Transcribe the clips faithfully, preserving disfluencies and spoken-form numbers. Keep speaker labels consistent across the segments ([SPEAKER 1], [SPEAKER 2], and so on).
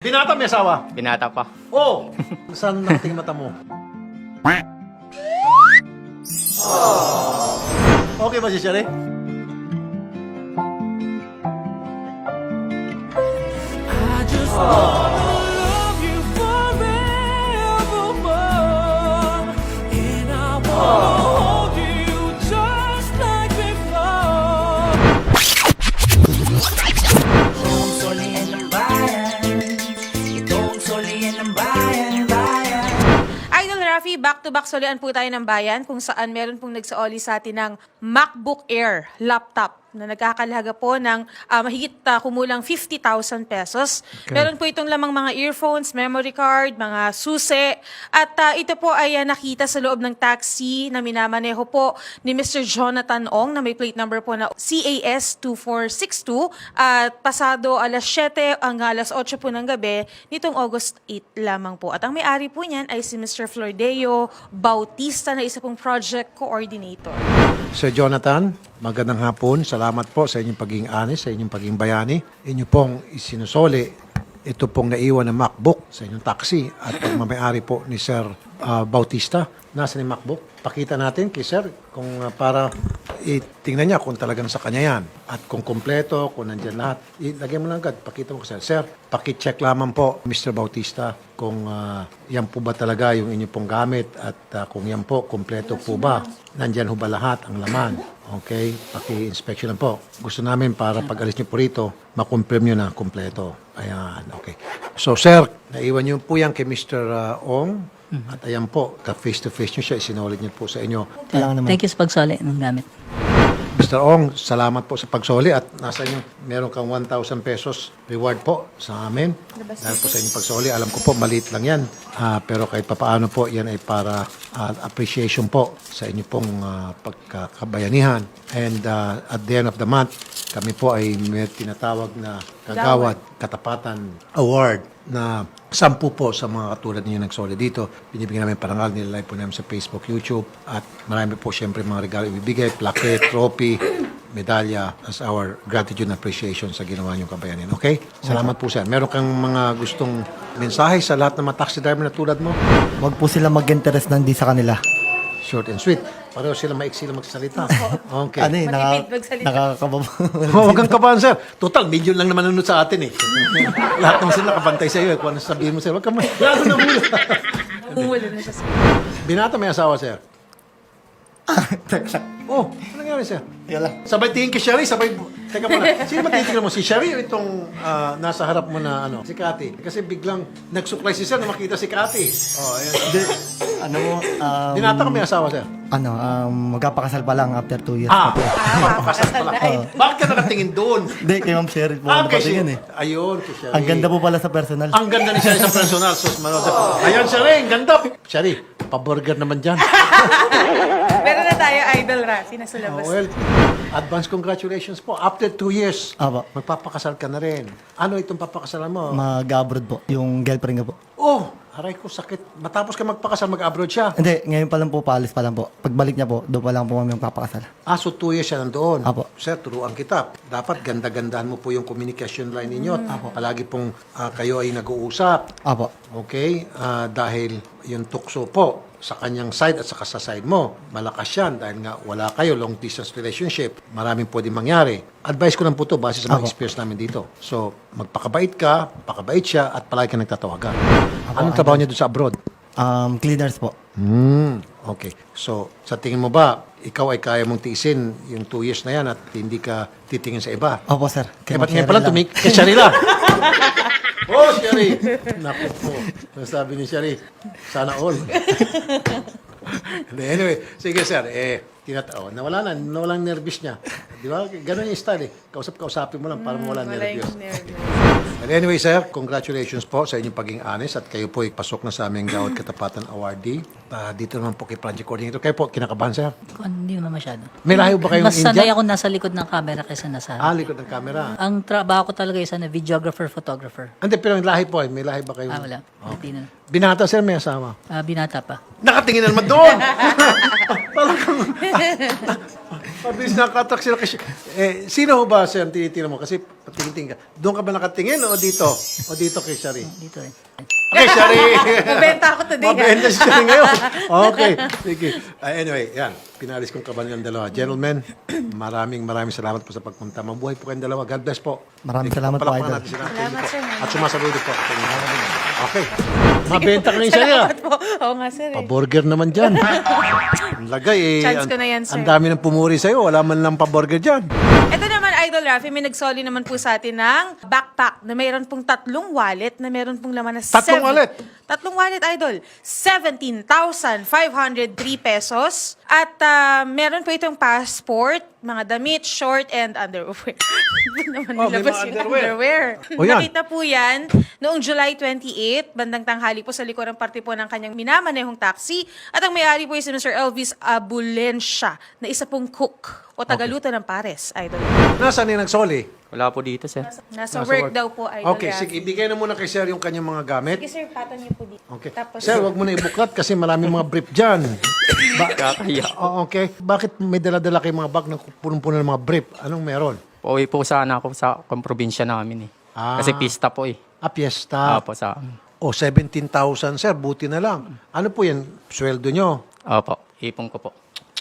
[SPEAKER 1] Binata may asawa?
[SPEAKER 2] Binata pa.
[SPEAKER 1] Oo. Oh, saan nakating mata mo? Okay ba si Sherry?
[SPEAKER 3] I just wanna love you forevermore, and I wanna hold you just like before.
[SPEAKER 4] Itong solihin ng bayan, itong solihin ng bayan, bayan.
[SPEAKER 5] Idol Rafi, back-to-back solian po tayo ng bayan kung saan meron pong nagsaoli sa atin ng MacBook Air laptop na nagkakalaga po ng ah, mahigit ah, kumulang fifty thousand pesos. Meron po itong lamang mga earphones, memory card, mga susi. At ah, ito po ay ah, nakita sa loob ng taxi na minamaneho po ni Mister Jonathan Ong na may plate number po na C A S two four six two. At pasado alas siyete hanggang alas otso po ng gabi nitong August eight lamang po. At ang may-ari po niyan ay si Mister Flordeo Bautista na isa pong project coordinator.
[SPEAKER 1] Sir Jonathan, magandang hapon. Salamat po sa inyong pagiging honest, sa inyong pagiging bayani. Inyo pong isinusoli ito pong naiwan na MacBook sa inyong taxi at pagmamayari po ni Sir uh, Bautista. Nasaan yung MacBook? Pakita natin kay Sir kung uh, para itingnan niya kung talagang sa kanya yan. At kung kompleto, kung nandyan lahat. Ilagay mo lang agad. Pakita mo ko Sir. Sir, pakicheck lamang po Mister Bautista kung uh, yan po ba talaga yung inyo pong gamit at uh, kung yan po, kompleto po ba? Nandyan ho ba lahat ang laman? Okay? Paki-inspection lang po. Gusto namin para pag-alis niyo po rito, makonfirm nyo na kompleto. Ayan, okay. So, Sir, naiwan niyo po yan kay Mister Uh, Ong. At ayan po, ka-face-to-face nyo siya, isinulit niyo po sa inyo.
[SPEAKER 6] Thank you sa pagsali ng gamit.
[SPEAKER 1] Mister Ong, salamat po sa pagsoli at nasa inyo, meron kang one thousand pesos reward po sa amin. Dahil po sa inyong pagsoli, alam ko po, maliit lang yan. Ah, pero kahit papaano po, yan ay para ah, appreciation po sa inyo pong ah, pagkakabayanihan. And ah, at the end of the month, kami po ay may tinatawag na Kagawad Katapatan Award na sampu po sa mga katulad ninyo nagsoli dito. Binibigyan namin parangal, nilalive po namin sa Facebook, YouTube. At marami po siyempre mga regalo ibibigay, plaque, trophy, medalya as our gratitude and appreciation sa ginawa niyong kabayanin. Okay? Salamat po sir. Meron kang mga gustong mensahe sa lahat ng mga taxi driver na tulad mo?
[SPEAKER 7] Huwag po sila mag-interest ng di sa kanila.
[SPEAKER 1] Short and sweet. Pareho sila maiksi lang magsalita. Okay.
[SPEAKER 7] Ano eh, naka,
[SPEAKER 5] Matipid magsalita.
[SPEAKER 7] nakakababa.
[SPEAKER 1] Oh, huwag kang kabahan, sir. Total, million lang naman nanonood sa atin eh. Lahat naman sila nakabantay sa iyo. Eh. Kung ano sabihin mo, sir, huwag kang ma- lalo na mula.
[SPEAKER 5] Umulo na siya.
[SPEAKER 1] Binata may asawa, sir. Oh, ano nangyari, sir?
[SPEAKER 7] Yala.
[SPEAKER 1] Sabay tingin kay Sherry, sabay... Teka muna, sino ba titignan mo? Si Sherry o itong ah, nasa harap mo na ano? Si Cathy. Kasi biglang nagsuklay si sir na makita si Cathy. Oh, ayan.
[SPEAKER 7] Hindi, ano mo, um,
[SPEAKER 1] Binata ka may asawa, sir?
[SPEAKER 7] ano, um, magkapakasal pa lang after two years.
[SPEAKER 1] Ah,
[SPEAKER 7] pa po.
[SPEAKER 1] mapapakasal pala. Bakit ka nakatingin doon?
[SPEAKER 7] Hindi, kay Ma'am Cheryl po.
[SPEAKER 1] Ah,
[SPEAKER 7] ano
[SPEAKER 1] kay
[SPEAKER 7] patingin
[SPEAKER 1] Sherry.
[SPEAKER 7] eh.
[SPEAKER 1] Ayun, kay Sherry.
[SPEAKER 7] Ang ganda po pala sa personal.
[SPEAKER 1] Ang ganda ni Sherry sa personal. Sus, manood. Ayan, Sherry, ang ganda. Sherry, pa-burger naman dyan.
[SPEAKER 5] Meron na tayo, Idol Rafi, nasa
[SPEAKER 1] Oh,
[SPEAKER 5] labas.
[SPEAKER 1] well, advance congratulations po. After two years,
[SPEAKER 7] Aba.
[SPEAKER 1] magpapakasal ka na rin. Ano itong papakasalan mo?
[SPEAKER 7] Mag-abroad po, yung girlfriend ko po.
[SPEAKER 1] oh, aray ko, sakit. Matapos ka magpakasal, mag-abroad siya.
[SPEAKER 7] Hindi, ngayon pa lang po, paalis pa lang po. Pagbalik niya po, doon pa lang po kami magpapakasal.
[SPEAKER 1] Ah, so two years siya nandoon.
[SPEAKER 7] Apo.
[SPEAKER 1] Sir, turuan kita. Dapat ganda-gandahan mo po yung communication line ninyo. At palagi pong ah, kayo ay nag-uusap.
[SPEAKER 7] Apo.
[SPEAKER 1] Okay? Ah, dahil yung tukso po sa kanyang side at saka sa side mo, malakas yan dahil nga wala kayo, long distance relationship. Maraming pwedeng mangyari. Advice ko lang po to base sa mga
[SPEAKER 7] Apo.
[SPEAKER 1] experience namin dito. So, magpakabait ka, pakabait siya, at palagi ka nagtatawagan. Anong trabaho niya doon sa abroad?
[SPEAKER 7] Um, cleaners po.
[SPEAKER 1] Hmm, okay. So, sa tingin mo ba, ikaw ay kaya mong tiisin yung two years na yan at hindi ka titingin sa iba?
[SPEAKER 7] Opo, sir.
[SPEAKER 1] Kaya
[SPEAKER 7] Kay
[SPEAKER 1] ba't
[SPEAKER 7] Ma'am
[SPEAKER 1] ngayon
[SPEAKER 7] Cheryl
[SPEAKER 1] pala
[SPEAKER 7] lang.
[SPEAKER 1] tumik? Kay Sherry lang. Oh, Sherry. Naku po. Nasabi ni Sherry, sana all. Anyway, sige sir, eh, tinatao. Nawala na, nawala ang nervous niya. Di ba? Ganun yung style eh. Kausap-kausapin mo lang para mawala
[SPEAKER 5] Wala
[SPEAKER 1] nervous.
[SPEAKER 5] yung nervous.
[SPEAKER 1] But anyway, sir, congratulations po sa inyong pagiging honest at kayo po ay pasok na sa aming Gawad Katapatan Awardee. Uh, dito naman po kay Project Coordinator. Kayo po, kinakabahan, sir?
[SPEAKER 6] Hindi naman masyado.
[SPEAKER 1] May lahi ba kayong
[SPEAKER 6] Mas sanay
[SPEAKER 1] Indian?
[SPEAKER 6] ako nasa likod ng camera kaysa nasa
[SPEAKER 1] Ah, likod ng camera.
[SPEAKER 6] Ang trabaho ko talaga isa na videographer, photographer.
[SPEAKER 1] Hindi, pero yung lahi po, eh. May lahi ba kayong...
[SPEAKER 6] Ah, wala. Hindi na.
[SPEAKER 1] Binata, sir, may asawa.
[SPEAKER 6] Ah, binata pa.
[SPEAKER 1] Nakatingin na naman doon! Talagang... Mabilis nakatrak sila kasi... Eh, sino ho ba, sir, ang tinitingnan mo? Kasi Patingin-tingin ka. Doon ka ba nakatingin o dito? O dito kay Shari?
[SPEAKER 6] Dito eh.
[SPEAKER 1] Okay, Shari!
[SPEAKER 5] Mabenta ako today. ah.
[SPEAKER 1] Mabenta si Shari ngayon. Okay, sige. Uh, anyway, yan. Pinalis kong kaban ng dalawa. Gentlemen, maraming maraming salamat po sa pagpunta. Mabuhay po kayong dalawa. God bless po.
[SPEAKER 7] Maraming salamat po,
[SPEAKER 1] Palakpakan
[SPEAKER 7] Idol.
[SPEAKER 1] natin sila.
[SPEAKER 5] Salamat,
[SPEAKER 1] Thank you
[SPEAKER 5] sir.
[SPEAKER 1] po. At sumasaludo po. Okay. Mabenta ka ngayon, Shari. ah.
[SPEAKER 5] Salamat po. Oo nga, sir. Eh.
[SPEAKER 1] Pa-burger naman dyan. Ang lagay eh.
[SPEAKER 5] Chance ko
[SPEAKER 1] ang-
[SPEAKER 5] na yan, sir.
[SPEAKER 1] Ang dami ng pumuri sa'yo. Wala man lang pa-burger dyan.
[SPEAKER 5] Ito naman, Idol Rafi, may nagsoli naman po sa atin ng backpack na mayroon pong tatlong wallet na mayroon pong laman na
[SPEAKER 1] Tatlong
[SPEAKER 5] seven-
[SPEAKER 1] wallet?
[SPEAKER 5] Tatlong wallet, Idol. seventeen thousand five hundred three pesos. At ah, meron po itong passport, mga damit, short, and underwear. Hindi naman
[SPEAKER 1] Oh, may
[SPEAKER 5] nilabas
[SPEAKER 1] mga
[SPEAKER 5] yung
[SPEAKER 1] underwear.
[SPEAKER 5] underwear.
[SPEAKER 1] O, yan.
[SPEAKER 5] Nakita po yan noong July twenty-eighth, bandang tanghali po sa likurang parte po ng kanyang minamanehong taxi. At ang may-ari po ay si Mister Elvis Abulensya, na isa pong cook o tagaluto ng pares, Idol.
[SPEAKER 1] Nasaan yung nagsoli?
[SPEAKER 2] Wala po dito, sir.
[SPEAKER 5] Nasa,
[SPEAKER 1] Nasa
[SPEAKER 5] work,
[SPEAKER 1] work.
[SPEAKER 5] daw po, Idol
[SPEAKER 1] Okay,
[SPEAKER 5] Rafi.
[SPEAKER 1] sige. Ibigay na muna kay Sir yung kanyang mga gamit.
[SPEAKER 5] Sige, sir, patan niyo po dito.
[SPEAKER 1] Okay.
[SPEAKER 5] Tapos,
[SPEAKER 1] Sir, wag mo na ibuklat kasi maraming mga brief dyan. Ba-
[SPEAKER 2] Kakaya.
[SPEAKER 1] Oh, okay. Bakit may dala-dala kayong mga bag na punong-puno ng mga brief? Anong meron?
[SPEAKER 2] Pauwi po sana ako sa kung probinsya namin eh.
[SPEAKER 1] Ah.
[SPEAKER 2] Kasi pista po eh.
[SPEAKER 1] Ah, piyesta.
[SPEAKER 2] Opo, sa
[SPEAKER 1] O, seventeen thousand, sir. Buti na lang. Ano po yan? Sweldo nyo.
[SPEAKER 2] Opo, ipon ko po.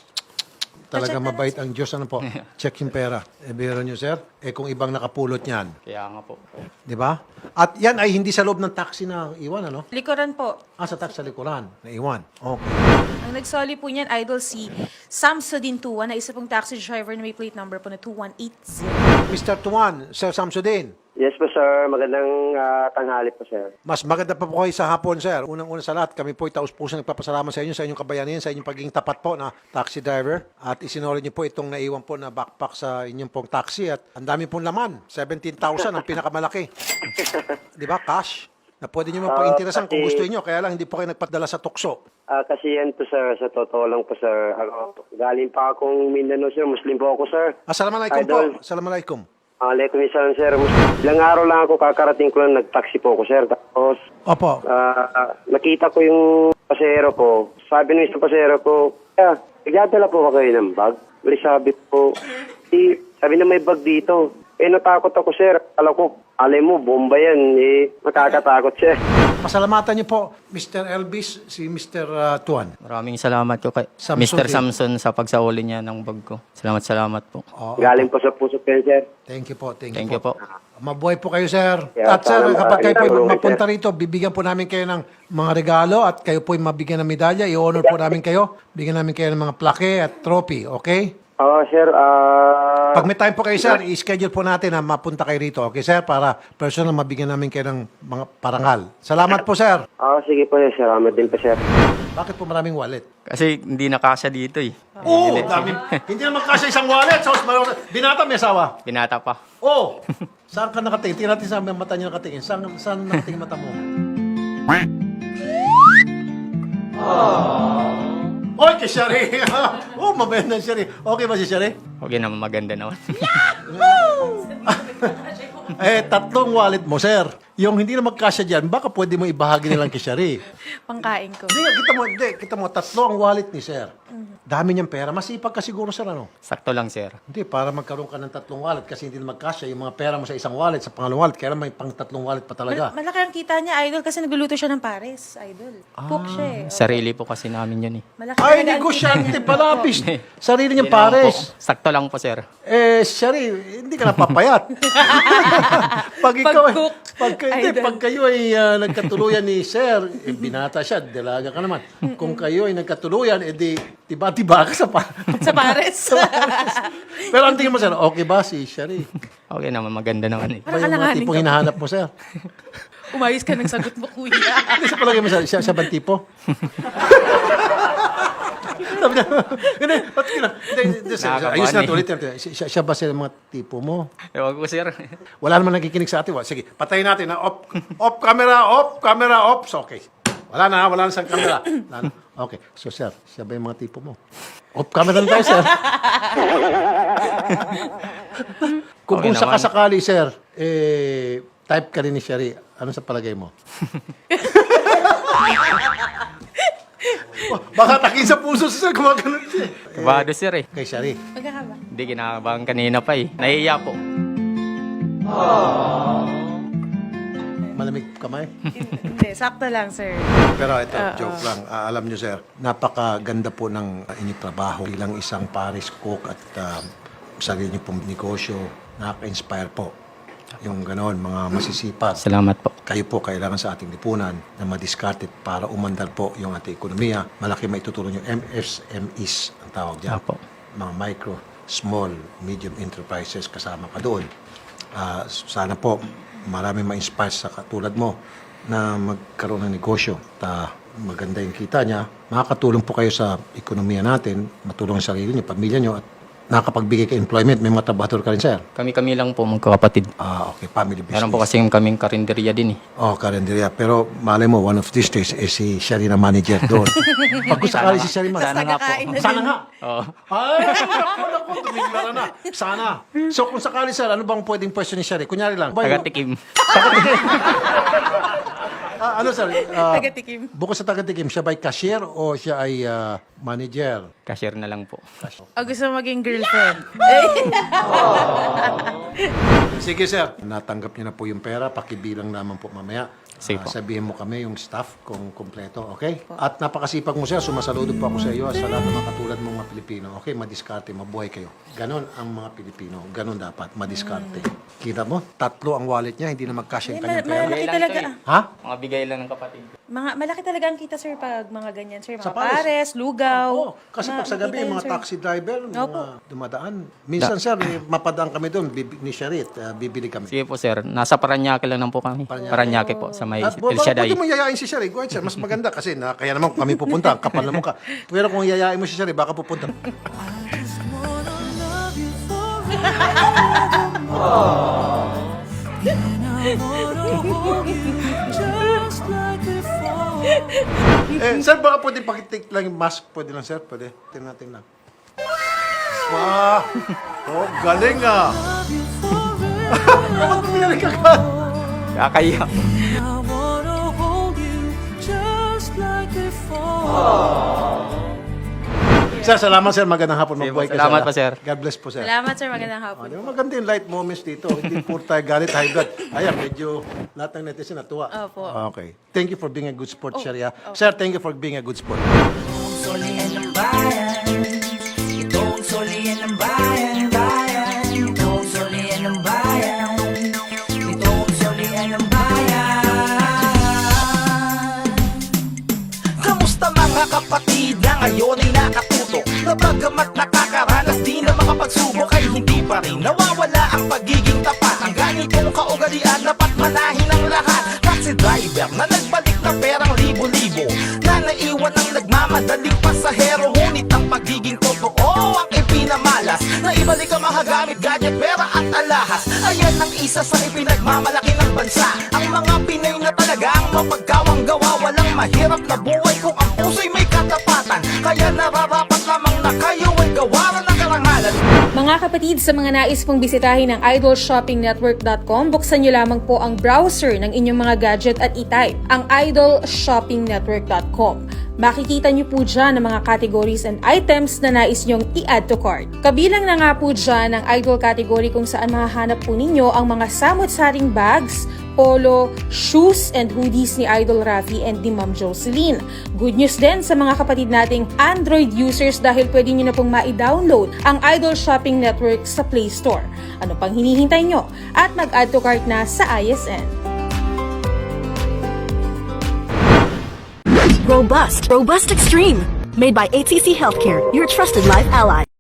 [SPEAKER 1] Talaga mabait ang Diyos. Ano po? Check yung pera. Eh, biro nyo, sir. Eh, kung ibang nakapulot niyan.
[SPEAKER 2] Kaya nga po.
[SPEAKER 1] Di ba? At yan ay hindi sa loob ng taxi na iwan, ano?
[SPEAKER 5] likuran po.
[SPEAKER 1] Ah, sa taxi sa likuran. Na iwan. Okay.
[SPEAKER 5] Ang nagsoli po niyan, Idol, si Samsudin Tuwan, na isa pong taxi driver na may plate number po na two one eight zero.
[SPEAKER 1] Mister Tuan, Sir Samsudin.
[SPEAKER 8] Yes po, sir. Magandang ah, tanghali po, sir.
[SPEAKER 1] Mas maganda pa po kayo sa hapon, sir. Unang-una sa lahat, kami po ay taus-puso nagpapasalamat sa inyo, sa inyong kabayanihan, sa inyong pagiging tapat po na taxi driver. At isinuli niyo po itong naiwan po na backpack sa inyong pong taxi. At ang dami pong laman. seventeen thousand ang pinakamalaki. Di ba? Cash. Na pwede niyo mapag-interesan kung
[SPEAKER 8] kasi-
[SPEAKER 1] gusto niyo. Kaya lang hindi po kayo nagpadala sa tukso.
[SPEAKER 8] Ah, kasi yan po, sir. Sa totoo lang po, sir. Ako, galing pa akong Mindanao, sir. Muslim po ako, sir.
[SPEAKER 1] Assalamualaikum po.
[SPEAKER 8] Idol.
[SPEAKER 1] Assalamualaikum.
[SPEAKER 8] Alaikum salam, sir. Mus- Ilang araw lang ako, kakarating ko lang, nag-taxi po ako, sir. Tapos,
[SPEAKER 1] Opo.
[SPEAKER 8] ah, nakita ko yung pasero ko. Sabi ng isang pasero ko, yeah, nagdadala po ba kayo ng bag? Bali sabi ko, "Eh, sabi na may bag dito. Eh, natakot ako, sir. Alam ko, alay mo, bomba yan. Eh, makakatakot, sir.
[SPEAKER 1] Pasalamatan niyo po, Mister Elvis, si Mister uh, Tuan.
[SPEAKER 2] Maraming salamat ko kay
[SPEAKER 1] Samson
[SPEAKER 2] Mister
[SPEAKER 1] din.
[SPEAKER 2] Samson sa pagsauli niya ng bag ko. Salamat, salamat po.
[SPEAKER 1] Oo.
[SPEAKER 8] Galing po sa puso ko yan, sir.
[SPEAKER 1] Thank you po. Thank,
[SPEAKER 2] Thank
[SPEAKER 1] you
[SPEAKER 2] you po.
[SPEAKER 1] Mabuhay po kayo, sir.
[SPEAKER 8] Yeah,
[SPEAKER 1] at sir,
[SPEAKER 8] sana
[SPEAKER 1] kapag kayo po
[SPEAKER 8] makakita
[SPEAKER 1] mapunta
[SPEAKER 8] ko,
[SPEAKER 1] rito, bibigyan po namin kayo ng mga regalo at kayo po mabigyan ng medalya. I-honor po namin kayo. Bigyan namin kayo ng mga plaque at trophy. Okay?
[SPEAKER 8] Oo, sir. Ah,
[SPEAKER 1] Pag may time po kayo, sir, i-schedule po natin na mapunta kayo rito. Okay, sir? Para personal mabigyan namin kayo ng mga parangal. Salamat po, sir.
[SPEAKER 8] ah, sige po, sir. Salamat din po, sir.
[SPEAKER 1] Bakit po maraming wallet?
[SPEAKER 2] Kasi hindi nakasya dito eh.
[SPEAKER 1] Oo, oh, dami. Hindi naman kasi isang wallet. Sa binata may asawa.
[SPEAKER 2] Binata pa.
[SPEAKER 1] Oh, saan ka nakatingin? Tingnan natin saan ang mata niya nakatingin. Saan, saan nakatingin mata mo? Oh. Oy, kay Shari. Oh, mabait na si Shari. Okay ba si Shari?
[SPEAKER 2] Okay naman, maganda naman.
[SPEAKER 1] Eh, tatlong wallet mo, sir. Yung hindi na magkasya dyan, baka pwede mo ibahagi nilang kay Shari.
[SPEAKER 5] Pangkain ko.
[SPEAKER 1] Hindi, kita mo, hindi, kita mo, tatlo ang wallet ni sir. Dami niyang pera. Masipag ka siguro, sir, ano?
[SPEAKER 2] Sakto lang, sir.
[SPEAKER 1] Hindi, para magkaroon ka ng tatlong wallet kasi hindi na magkasya yung mga pera mo sa isang wallet, sa pangalawang wallet, kaya may pang tatlong wallet pa talaga.
[SPEAKER 5] Mal- malaki ang kita niya, Idol, kasi nagluluto siya ng pares, Idol. Cook siya eh.
[SPEAKER 2] Sarili po kasi namin yun eh.
[SPEAKER 5] Malaki
[SPEAKER 1] Ay,
[SPEAKER 5] talaga ang
[SPEAKER 1] negosyante
[SPEAKER 5] kita
[SPEAKER 1] pala,
[SPEAKER 5] niya.
[SPEAKER 1] bis. Sarili niyang
[SPEAKER 2] Yun lang
[SPEAKER 1] pares.
[SPEAKER 2] po. Sakto lang po, sir.
[SPEAKER 1] Eh, Shari, hindi ka napapayat. pag ikaw,
[SPEAKER 5] Pag-cook,
[SPEAKER 1] pag, hindi,
[SPEAKER 5] idol.
[SPEAKER 1] pag kayo ay ah, nagkatuluyan ni sir, eh, binata siya, dalaga ka naman. Kung kayo ay nagkatuluyan, edi, tiba-tiba ka sa pa.
[SPEAKER 5] Sa pares.
[SPEAKER 1] Pero ang tingin mo, sir, okay ba si Shari?
[SPEAKER 2] Okay naman, maganda naman eh.
[SPEAKER 1] Ba yung mga
[SPEAKER 5] alanganin
[SPEAKER 1] tipong
[SPEAKER 5] ka.
[SPEAKER 1] hinahanap mo, sir?
[SPEAKER 5] Umayos ka ng sagot mo, kuya.
[SPEAKER 1] Hindi sa palagay mo, sir, siya, siya ba ang tipo? Sabi niya, hindi, ba't ka na? Hindi, hindi, sir,
[SPEAKER 2] Nakakabahan
[SPEAKER 1] ayos na,
[SPEAKER 2] eh.
[SPEAKER 1] ulit natin. Siya, siya ba sila mga tipo mo?
[SPEAKER 2] Ewan ko, sir.
[SPEAKER 1] Wala naman nakikinig sa atin. Wa- Sige, patayin natin na off, off camera, off camera, off. So, okay. Wala na, wala na sa camera. Wala na. Okay. So, sir, siya ba yung mga tipo mo? Off camera na tayo, sir. Kung
[SPEAKER 2] Okay
[SPEAKER 1] kung
[SPEAKER 2] naman.
[SPEAKER 1] sakasakali, sir, eh, type ka rin ni Shari, ano sa palagay mo? Oh, baka takin sa puso si sir, gumagano siya.
[SPEAKER 2] Kabado, sir eh.
[SPEAKER 1] Kay Shari.
[SPEAKER 5] Magkakaba.
[SPEAKER 2] Hindi, kinakabahan kanina pa eh. Nahiya po.
[SPEAKER 1] Malamig kamay?
[SPEAKER 5] Hindi, sakto lang, sir.
[SPEAKER 1] Pero ito, joke lang. Ah, alam nyo, sir, napakaganda po ng uh, inyong trabaho bilang isang Paris cook at uh, sarili nyo pong negosyo. Nakaka-inspire po. Yung gano'n, mga masisipat.
[SPEAKER 2] Salamat po.
[SPEAKER 1] Kayo po kailangan sa ating lipunan na madiskarte para umandar po yung ating ekonomiya. Malaki maitutulong yung M S M Es ang tawag dyan.
[SPEAKER 2] Apo.
[SPEAKER 1] Mga micro, small, medium enterprises kasama ka doon. Ah, sana po marami ma-inspire sa katulad mo na magkaroon ng negosyo. Ta maganda yung kita niya. Makakatulong po kayo sa ekonomiya natin, matulong sa sarili niyo, pamilya niyo at nakapagbigay ka employment. May mga trabahador ka rin, sir.
[SPEAKER 2] Kami-kami lang po magkakapatid.
[SPEAKER 1] Ah, okay, family business.
[SPEAKER 2] Meron po kasing kaming karinderya din eh.
[SPEAKER 1] Oh, karinderya. Pero malay mo, one of these days, eh, si Sherry na manager doon. Pag kung sakali si Sherry man.
[SPEAKER 2] Sana nga po.
[SPEAKER 5] Kakain na
[SPEAKER 1] Sana
[SPEAKER 5] din.
[SPEAKER 1] nga.
[SPEAKER 2] Oo.
[SPEAKER 1] Ay, naku, naku, tumiglara na. Sana. So, kung sakali, sir, ano bang pwedeng pwesto ni Sherry? Kunyari lang. ba, yung-
[SPEAKER 2] Taga-tikim.
[SPEAKER 1] Ah, ano, sir? Ah,
[SPEAKER 5] Taga-tikim.
[SPEAKER 1] Bukod sa taga-tikim, siya ba ay cashier o siya ay ah, manager?
[SPEAKER 2] Cashier na lang po.
[SPEAKER 5] O gusto mo maging girlfriend?
[SPEAKER 1] Sige, sir. Natanggap niyo na po yung pera. Pakibilang naman po mamaya.
[SPEAKER 2] Sige
[SPEAKER 1] Ah,
[SPEAKER 2] po.
[SPEAKER 1] sabihin mo kami yung staff kung kompleto, okay? At napakasipag mo, sir. Sumasaludo po ako sa iyo sa lahat ng mga katulad mong mga Pilipino. Okay, madiskarte, mabuhay kayo. Ganon ang mga Pilipino. Ganon dapat, madiskarte. Kita mo? Tatlo ang wallet niya, hindi na mag-cash yung
[SPEAKER 5] Eh,
[SPEAKER 1] kanyang
[SPEAKER 5] ma-
[SPEAKER 1] pera.
[SPEAKER 5] malaki
[SPEAKER 2] Bigay lang
[SPEAKER 5] talaga.
[SPEAKER 2] to eh.
[SPEAKER 1] Ha?
[SPEAKER 2] Mga bigay lang ng kapatid.
[SPEAKER 5] Mga, malaki talaga ang kita, sir, pag mga ganyan, sir. Mga
[SPEAKER 1] Sa pares.
[SPEAKER 5] pares, lugaw.
[SPEAKER 1] Oo, kasi pag sa gabi,
[SPEAKER 5] Makikita yun,
[SPEAKER 1] mga
[SPEAKER 5] sir.
[SPEAKER 1] taxi driver, mga
[SPEAKER 5] Opo.
[SPEAKER 1] dumadaan. Minsan, sir, eh, mapadaan kami doon, bibi- ni Sharit, ah, bibili kami.
[SPEAKER 2] Sige po sir, nasa Paranaque lang po kami. Paranaque po sa may
[SPEAKER 1] At bu-
[SPEAKER 2] El
[SPEAKER 1] baka
[SPEAKER 2] Shaddai.
[SPEAKER 1] pwede mo yayain si Sherry. Go ahead, sir. Mas maganda kasi na, kaya naman kami pupunta. Ang kapal na mukha. Pero kung yayain mo si Sherry, baka pupunta.
[SPEAKER 3] Wanna love you forevermore. And I wanna hold you just like before.
[SPEAKER 1] eh, sir, baka pwede pakitik lang yung mask. Pwede lang, sir. Pwede. Tingnan natin lang. Wow! Oh, galing ah! Bakit tumiyari ka ka?
[SPEAKER 2] Kakaya.
[SPEAKER 3] I wanna hold you just like before.
[SPEAKER 1] Sir, salamat, sir. Magandang hapon.
[SPEAKER 2] Sige po,
[SPEAKER 1] Mabuhay ka,
[SPEAKER 2] salamat
[SPEAKER 1] sir.
[SPEAKER 2] po, sir.
[SPEAKER 1] God bless po, sir.
[SPEAKER 5] Salamat, sir. Magandang
[SPEAKER 1] Ah,
[SPEAKER 5] hapon.
[SPEAKER 1] di ba maganda yung light moments dito. Hindi puro tayo galit, high blood. Ayan, medyo lahat ng netizen natuwa.
[SPEAKER 5] Opo.
[SPEAKER 1] Okay. Thank you for being a good sport, Sharia. Sir, thank you for being a good sport.
[SPEAKER 4] Itong solian ng bayan. Itong solian ng bayan, bayan. Itong solian ng bayan. Itong solian ng bayan. Kamusta mga kapatid na ngayon ay nakatutok? Na bagamat nakakaranas di na makapagsubok ay hindi pa rin nawawala ang pagiging tapat. Ang ganitong kaugalian dapat manahin ang lahat. Taxi driver na nagbalik na perang libo-libo, na naiwan ang nagmamadaling pasahero. Ngunit ang pagiging totoo ang ipinamalas, na ibalik ang mahagamit, gadget, pera at alahas. Ayan ang isa sa ipinagmamalaki ng bansa. Ang mga Pinay na talaga ang mapagkawang gawa. Walang mahirap na buhay kung ang puso'y may katapatan. Kaya nararapat lamang na kayo ay gawaran ng karangalan.
[SPEAKER 5] Mga kapatid, sa mga nais pong bisitahin ang idol shopping network dot com, buksan nyo lamang po ang browser ng inyong mga gadget at i-type ang idol shopping network dot com. Makikita nyo po dyan ang mga categories and items na nais nyong i-add to cart. Kabilang na nga po dyan ang idol category kung saan mahahanap po ninyo ang mga samot-saring bags, polo, shoes, and hoodies ni Idol Rafi and ni Ma'am Jocelyn. Good news din sa mga kapatid nating Android users dahil pwede nyo na pong ma-download ang Idol Shopping Network sa Play Store. Ano pang hinihintay nyo? At mag-add to cart na sa I S N.
[SPEAKER 9] Robust, Robust Extreme. Made by H C C Healthcare, your trusted life ally.